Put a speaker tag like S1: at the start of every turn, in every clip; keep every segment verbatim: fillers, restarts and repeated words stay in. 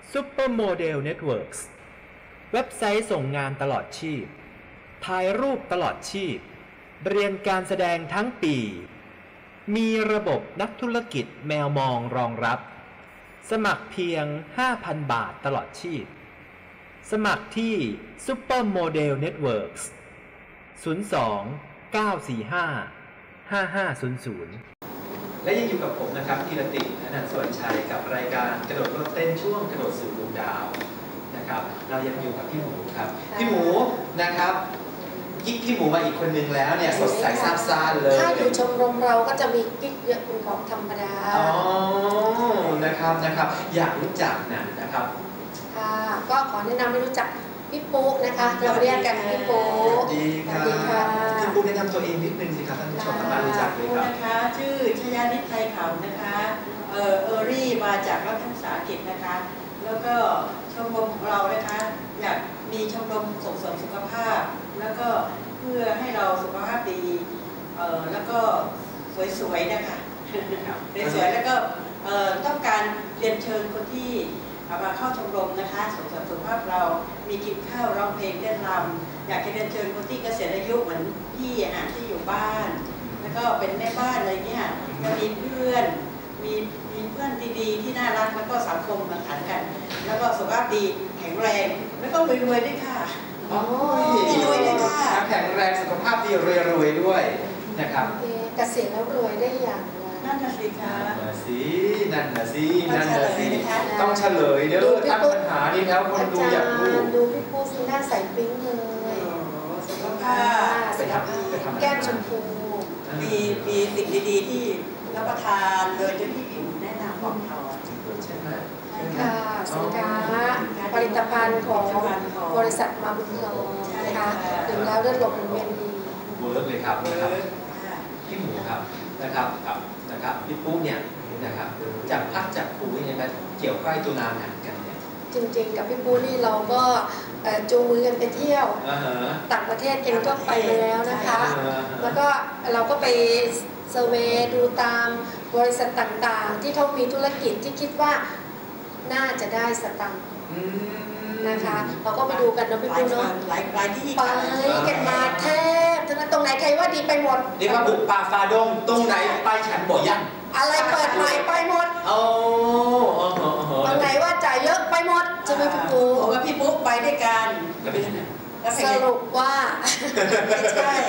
S1: Supermodel Networks เว็บไซต์ส่งงานตลอดชีพถ่ายรูปตลอดชีพเรียนการแสดงทั้งปีมีระบบนักธุรกิจแมวมองรองรับสมัครเพียง ห้าพัน บาทตลอดชีพสมัครที่ Supermodel Networks ศูนย์ สอง เก้า สี่ ห้า ห้า ห้า ศูนย์ ศูนย์ และยังอยู่กับผมนะครับธีรติอนันต์สวนชัยกับรายการกระโดดรถเต้นช่วงกระโดดสู่ดวงดาวนะครับเรายังอยู่กับพี่หมูครับพี่หมูนะครับยิ่งพี่หมูมาอีกคนนึงแล้วเนี่ยสดใสซาบซ่านเลย
S2: ถ้าอยู่ชมรมเราก็จะมีกิ๊กเยอะเป็นของธรรมดา
S1: อ๋อนะครับนะครับอยากรู้จักนะนะครับ
S2: ค่ะก็ขอแนะนำให้รู้จักพี่ปุ๊กนะคะเราเรียกกันพี่ปุ๊ก
S1: ดีค่ะพี่ปุ๊กแนะนำตัวเองนิดนึงสิครับท่านผู้ชมทางบ้านรู้จักเลยครับ
S3: นะคะชื่อชยานิตไทยขำนะคะเออเออรี่มาจากรัฐวิสาหกิจนะคะแล้วก็ชมรมของเรานะคะอยากมีชมรมส่งเสริมสุขภาพแล้วก็เพื่อให้เราสุขภาพดีเออแล้วก็สวยๆนะคะสวยๆแล้วก็เออต้องการเรียนเชิญคนที่มาเข้าชมรมนะคะส่งเสริมสุขภาพเรามีกินข้าวร้องเพลงเต้นรำอยากจะเรียนเชิญคนที่เกษียณอายุเหมือนพี่อ่ะที่อยู่บ้านแล้วก็เป็นแม่บ้านอะไรเงี้ยจะมีเพื่อนมีมีเพื่อนดีๆที่น่ารักแล้วก็สังคมมาขันกันแล้วก็สุขภาพดีแข็งแรงแล้วก็รวยๆด้วยค่ะ
S1: อ๋อ
S3: รวยด้วยค่ะ
S1: แข็งแรงสุขภาพดีรวยๆด้วยนะครับ
S2: เกษียณแล้วรวยได้อย่าง
S3: นั่นน่ะสิคะ
S1: นั่นน่ะสินั่นน่ะสินั่นน่ะสิต้องเฉลยเด้อตั้งปัญหานี้แล้วคนดูอยากรู้
S2: ดูพี่ปุ๊กหน้าใสปิ๊งเลย
S3: สุขภาพ
S2: แก้มชมพู
S3: มีมีสิ่งดีๆที่รับประทานโดยที่พี่ผิวแนะนำบอกเขา
S1: ใช่ไหม
S2: ค่ะสินค้าผลิตภัณฑ์ของบริษัทมาบุญโลนะคะถึงแล้วเลือดลมเวียนดี
S1: เวิร์กเลยครับนะครับพี่หมูครับนะครับกับนะครับพี่ปุ๊กเนี่ยนะครับจากพักจากครูเนี่ยมันเกี่ยวใกล้ตัวนานกันเนี่ย
S2: จริงๆกับพี่ปุ๊กนี่เราก็จูงมือกันไปเที่ยวต่างประเทศเองก็ไปแล้วนะคะแล้วก็เราก็ไปเซอร์เวย์ดูตามบริษัทต่างๆที่เขามีธุรกิจที่คิดว่าน่าจะได้สตังค์นะคะเราก็ไปดูกันนะพี่ปุ๊กเนาะ
S3: หลายหลายที่
S2: ไปกันมาแทบทั้งนั้นตรงไหนใครว่าดีไปหมด
S1: เรียกว่าบุกป่าฟาดงตรงไหนไปฉันบ่ยัง
S2: อะไรเปิดใหม่ไปหมด
S1: โอ้
S2: ตรงไหนว่าจ่ายเยอะไปหมดใช่ไหมพี่ปุ๊ก
S3: ผมกับพี่ปุ๊กไปด้วยกัน
S2: สรุปว่า
S3: ไม่ใช่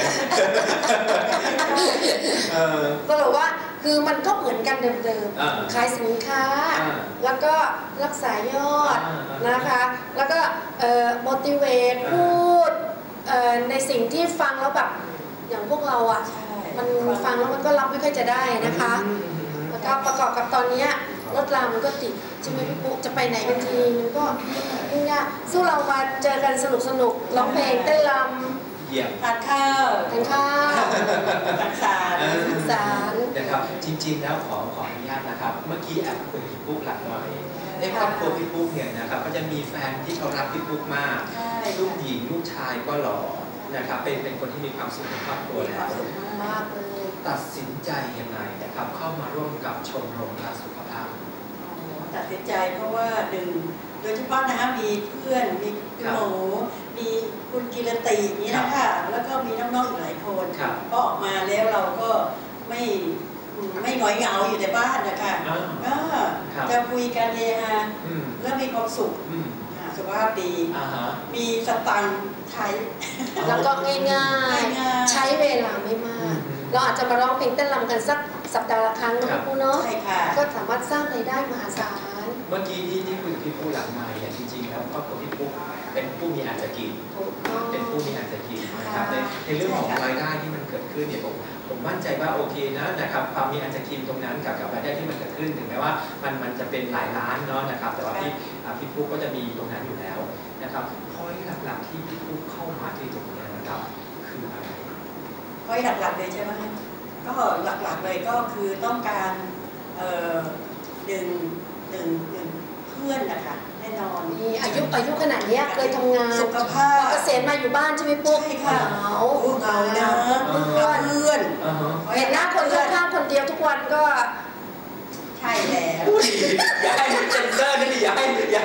S2: สรุปว่าคือมันก็เหมือนกันเดิมๆขายสินค้าแล้วก็รักษายอดนะคะแล้วก็ motivate พูดในสิ่งที่ฟังแล้วแบบอย่างพวกเราอ่ะมันฟังแล้วมันก็รับไม่ค่อยจะได้นะคะแล้วก็ประกอบกับตอนนี้รถรามันก็ติดใช่ไหมพี่ปุ๊จะไปไหนกันทีมันก็ยุ่งยากสู้เรามาเจอกันสนุกสนุกร้องเพลงเต้นร
S1: ำ
S3: ทานข้าว
S2: ทานข้าว
S3: สังสรรค์
S2: สังสรรค์
S1: นะครับจริงๆแล้วขอขออนุญาตนะครับเมื่อกี้แอบคุยกับพี่ปุ๊กหลังหน่อยในครอบครัวพี่ปุ๊กเนี่ยนะครับก็จะมีแฟนที่เขารักพี่ปุ๊กมากลูกหญิงลูกชายก็หล่อนะครับเป็นเป็นคนที่มีความสุขในครอบครัวแล้ว
S2: มากเลย
S1: ตัดสินใจยังไงนะครับเข้ามาร่วมกับชมรมรักสุขภาพ
S3: ตัดสินใจเพราะว่าหนึ่งโดยเฉพาะนะคะมีเพื่อนมีคุณหมูมีคุณกิรตินี้นะคะแล้วก็มีน้องๆอีกหลายคนก็ออกมาแล้วเราก็ไม่ไม่หงอยเหงาอยู่ในบ้านนะคะก็จะคุยกันเฮฮาแล้วมีความสุขสุขภาพดีมีสตังค์ใช้
S2: แล้วก็ง่ายๆใช้เวลาไม่มากเราอาจจะมาร้องเพลงเต้นรำกันสักสัปดาห์ละครั้งนะพี่ปูเนาะก็สามารถสร้างรายได้มหาศาล
S1: เมื่อกี้ที่ที่คุยกับพี่ปูหลังไมค์จริงๆแล้วครอบครัวพี่ปูเป็นผู้มีอาจจะกินเป็นผู้มีอาจจะกินนะครับในในเรื่องของรายได้ที่มันเกิดขึ้นเนี่ยผมผมมั่นใจว่าโอเคนะนะครับความมีอาจจะกินตรงนั้นกับกับรายได้ที่มันเกิดขึ้นถึงแม้ว่ามันมันจะเป็นหลายล้านเนาะนะครับแต่ว่าพี่พี่ปูก็จะมีตรงนั้นอยู่แล้วนะครับพอยหลักๆที่พี่ปูเข้ามาที่ตรงนี้นะครับคืออะไร
S3: พอยหลักๆเลยใช่ไหมก็หลักๆเลยก็คือต้องการดึงดึงดึงเพื่อนนะคะแน่นอน
S2: มีอายุอายุขนาดนี้เคยทำงาน
S3: สุขภาพ
S2: เกษียณมาอยู่บ้านใช่ไหมปุ๊ก
S3: ใช่ค่ะ
S2: เหงา
S3: เหงาเนอะเพื่อนเพื่อน
S2: เห็นหน้าคนข้างๆคนเดียวทุกวันก็
S3: ใช่แล้ว
S1: อย่าให้เซนเซอร์นี่อย่าให้อย่า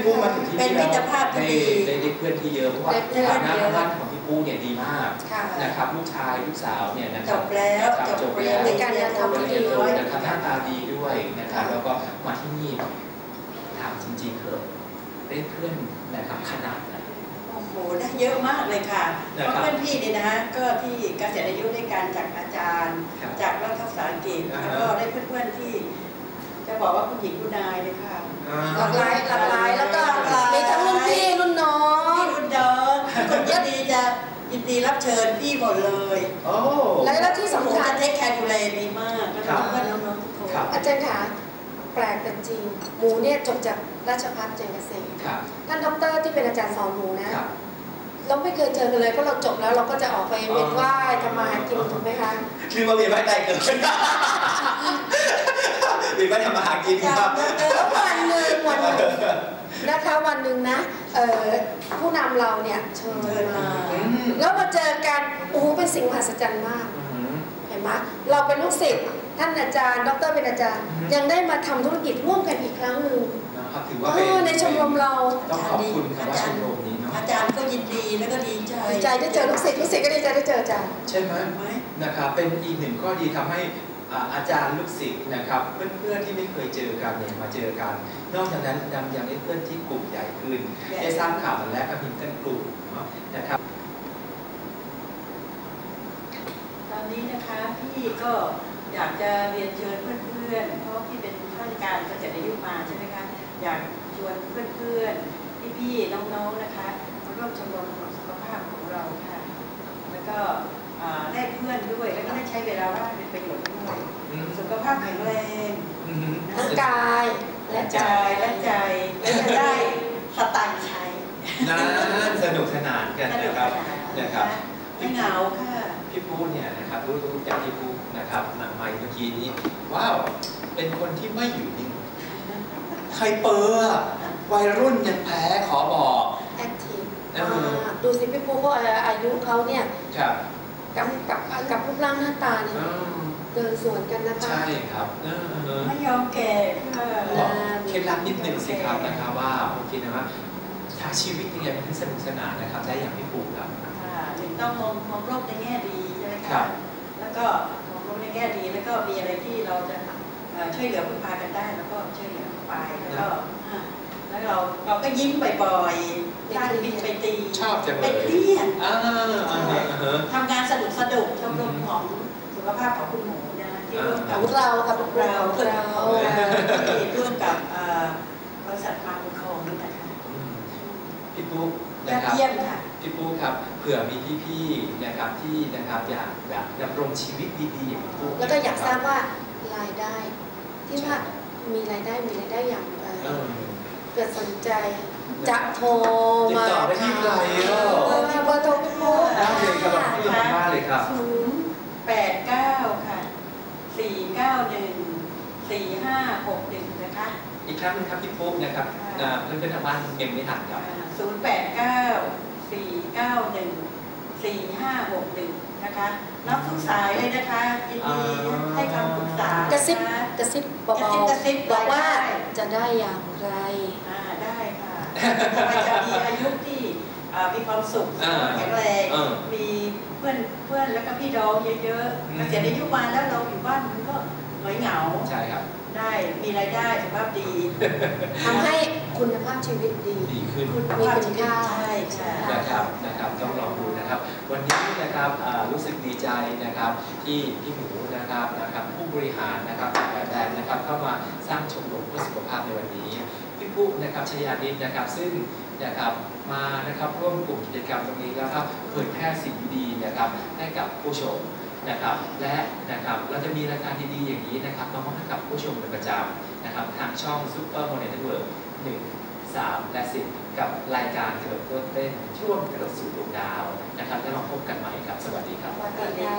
S4: ปูมาถึงที่
S3: เป็น
S4: นี่
S3: มิตรภาพที่
S4: ได้
S3: ดี
S4: ได้ได้เพื่อนที่เยอะเพราะว่าฐานะบ้านของพี่ปูเนี่ยดีมากนะครับลูกชายลูกสาวเนี่ยนะค
S3: จ
S4: รับบ
S3: แล้ว
S4: นะครับ
S3: จ
S4: จ
S3: บบ เรีย
S4: แล้
S3: น
S4: ว
S3: ในการทำที่ดี
S4: ด้
S3: ด้
S4: ว
S3: วย ย
S4: นะครับหน้าตาดีด้วยนะครับแล้วก็มาที่นี่ถามจริงๆเถอะได้เพื่อนนะครับขนาดไหน
S3: โอ้โหได้เยอะมากเลยค่ะเพราะเพื่อนพี่เนี่ยนะก็ที่เกษียณอายุด้วยกันจากอาจารย์ จากรัฐศาสตร์อังกฤษแล้วก็ได้เพื่อนๆที่จะบอกว่าคุณหญิงคุณนายเลยค่ะ
S2: หลากหลายหลากหลายแล้วก็มีทั้งรุ่นพี่รุ่นน้อง
S3: พี่รุ่นน้องคนยินดีจะยินดีรับเชิญพี่หมดเลย
S4: โอ้
S2: และแล้วที่สำคัญ
S3: จะเทคแคร์ดูแลดีมากแล้วก็เพื่อนน้องๆทุกคน
S2: อาจารย์คะแปลกแต่จริงหมูเนี่ยจบจากราชภัฏเจริญเกษม
S4: ครับ
S2: ท่านด็อกเตอร์ที่เป็นอาจารย์สอนหมูนะครับ เราไม่เคยเจอกันเลยเพราะเราจบแล้วเราก็จะออกไปเวียนว่ายทำมาหากินถูกไหมคะ
S4: ลืมมาเวียนว่ายใจเกินเวียนว่ายทำมาหากินครับ
S2: แล้ววันหนึ่งวันหนึ่งนะคะวันหนึ่งนะเอ่อผู้นำเราเนี่ยเชิญมาแล้วมาเจอกันโอ้โหเป็นสิ่งมหัศจรรย์มากเห็นไหมเราเป็นลูกศิษย์ท่านอาจารย์ดรเป็นอาจารย์ยังได้มาทำธุรกิจร่วมกันอีกครั้งหนึ่ง
S4: นะครับถือว่าเป็น
S2: ในชมรมเรา
S4: ต้องขอบคุณคำว่าชมรมนี้เนาะ
S3: อาจารย์ก็ยินดีแล้วก็ดีใจ
S2: ดีใจได้เจอลูกศิษย์ลูกศิษย์ก็ดีใจได้เจออาจารย์
S4: ใช่ไหมนะครับเป็นอีกหนึ่งข้อดีทำให้อาจารย์ลูกศิษย์นะครับเพื่อนๆที่ไม่เคยเจอกันเนี่ยมาเจอกัน นอกจากนั้นยังยังได้เพื่อนที่กลุ่มใหญ่ขึ้นได้สร้างข่าวและก็มีกันกลุ่มนะครับ
S3: ตอนนี้นะคะพี่ก็อยากจะเรียนเชิญเพื่อนๆเพราะพี่เป็นข้าราชการเกษียณอายุมาใช่ไหมคะอยากชวนเพื่อนๆพี่ๆน้องๆนะคะมาร่วมชมรมสุขภาพของเราค่ะแล้วก็ได้เพื่อนด้วยแล้วก็ได้ใช้เวลาว่างเป็นประโยชน์ด้วยสุขภาพแข็งแรง
S2: ทั้งกายและใจ
S3: และใจและจะได้สตางค์ใช้
S4: น่าสนุกสนานกันนะครับนะครับ
S3: ไม่เหงาค่ะ
S4: พี่ปูเนี่ยนะครับรู้รู้จากพี่ปูนะครับหนังใหม่เมื่อกี้นี้ว้าวเป็นคนที่ไม่อยู่นิ่งใครเปอร์วัยรุ่นยังแพ้ขอบอก
S2: แอคทีฟดูสิพี่ปูเขาอายุเขาเนี่ยกับกับกับรูปร่างหน้าตาเนี่ยเดินสวนกันนะคะ
S4: ใช่ครับ
S3: ไม่ยอมแก่
S4: เคล็ดลับนิดหนึ่งสิครับนะครับว่าผมคิดนะว่าถ้าชีวิตยังไงมันถึงสนุกสนานนะครับได้อย่างพี่ปูครับ
S3: หนึ่งต้องมองมองโลกในแง่ดีใช่ไหมครับแล้วก็มองโลกในแง่ดีแล้วก็มีอะไรที่เราจะช่วยเหลือพึ่งพากันได้แล้วก็ช่วยเหลือไปแล้วก็แล้วเราเราก็ยิ้มบ่อยๆสร้างบินไปตี
S4: ชอบจังเลย
S3: ไปเลี้ยนทำงานสนุกสนุกชมรมของสุขภาพของคุณหมูนะที่ร่วมกับ
S2: พวกเรากับพวกเรา
S3: เราที่ร่วมกับบริษัทมาบุญคงนี่นะคะ
S4: พี่ปุ๊กนะครับ
S3: เยี่ยมค่ะ
S4: พี่ปุ๊กครับเผื่อมีพี่ๆนะครับที่นะครับอยากอยากดำรงชีวิตดีๆอย่างพี่ปุ๊ก
S2: แล้วก็อยากทราบว่ารายได้ที่ว่ามีรายได้มีรายได้อย่างไรเกิดสนใจจะโทรมา
S4: ติดต่อได้ที่ไหนอ่ะ
S2: เบอร์เบอร์โทรพี่ปุ๊ก
S4: ได้เลยครับพี่ปุ๊กมากเลยครับ
S3: ศูนย์แปดเก้าค่ะสี่เก้าหนึ่งสี่ห้าหกหนึ่งนะคะ
S4: อีกครั้งนึงครับพี่ปุ๊กนะครับเพื่อนๆทางบ้านเอ็มไม่ทันครับ
S3: ศูนย์แปดเก้าสี่เก้าหนึ่งสี่ห้าหกหนึ่งนะคะรับทุกสายเลยนะคะยินดีให้คำปรึกษาก
S2: ระซิบกระซิบเบาๆบอกว่าจะได้อย่างไร
S3: ได้ค่ะจะมีอายุที่มีความสุขแข็งแรงมีเพื่อนเพื่อนแล้วก็พี่น้องเยอะๆเกษียณอายุมาแล้วเราอยู่บ้านมันก็เหงาเหงา
S4: ใช่ครับ
S3: ได้มีรายได้สุขภาพดี
S2: ทำให้คุณภาพชีวิตดี
S4: ดีขึ้น
S2: มีคุณค่า
S3: ใช่ใช่
S4: นะครับนะครับต้องลองดูนะครับวันนี้นะครับรู้สึกดีใจนะครับที่พี่หมูนะครับนะครับผู้บริหารนะครับหลายแบรนด์นะครับเข้ามาสร้างชมรมเพื่อสุขภาพในวันนี้พี่ปุ๊กนะครับชยานิดนะครับซึ่งนะครับมานะครับร่วมกลุ่มกิจกรรมตรงนี้แล้วก็เผยแพร่สิ่งดีๆนะครับให้กับผู้ชมนะครับและนะครับเราจะมีรายการดีๆอย่างนี้นะครับมามอบให้กับผู้ชมเป็นประจำนะครับทางช่อง Super Model Network หนึ่ง สาม และ สิบกับรายการกระโดดโลดเต้นช่วงกระโดดสู่ดวงดาวนะครับแล้วมาพบกันใหม่ครับสวัสดีครับ
S2: สวัสดีค่ะ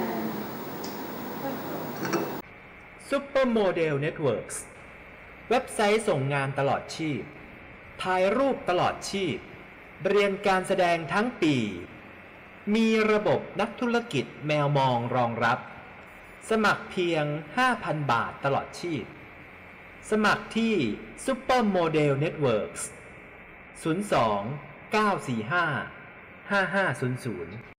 S1: Super Model Networks เว็บไซต์ส่งงานตลอดชีพถ่ายรูปตลอดชีพเรียนการแสดงทั้งปีมีระบบนักธุรกิจแมวมองรองรับสมัครเพียง ห้าพัน บาทตลอดชีพสมัครที่ Super Model Networks ศูนย์ สอง เก้า สี่ ห้า ห้า ห้า ศูนย์ ศูนย์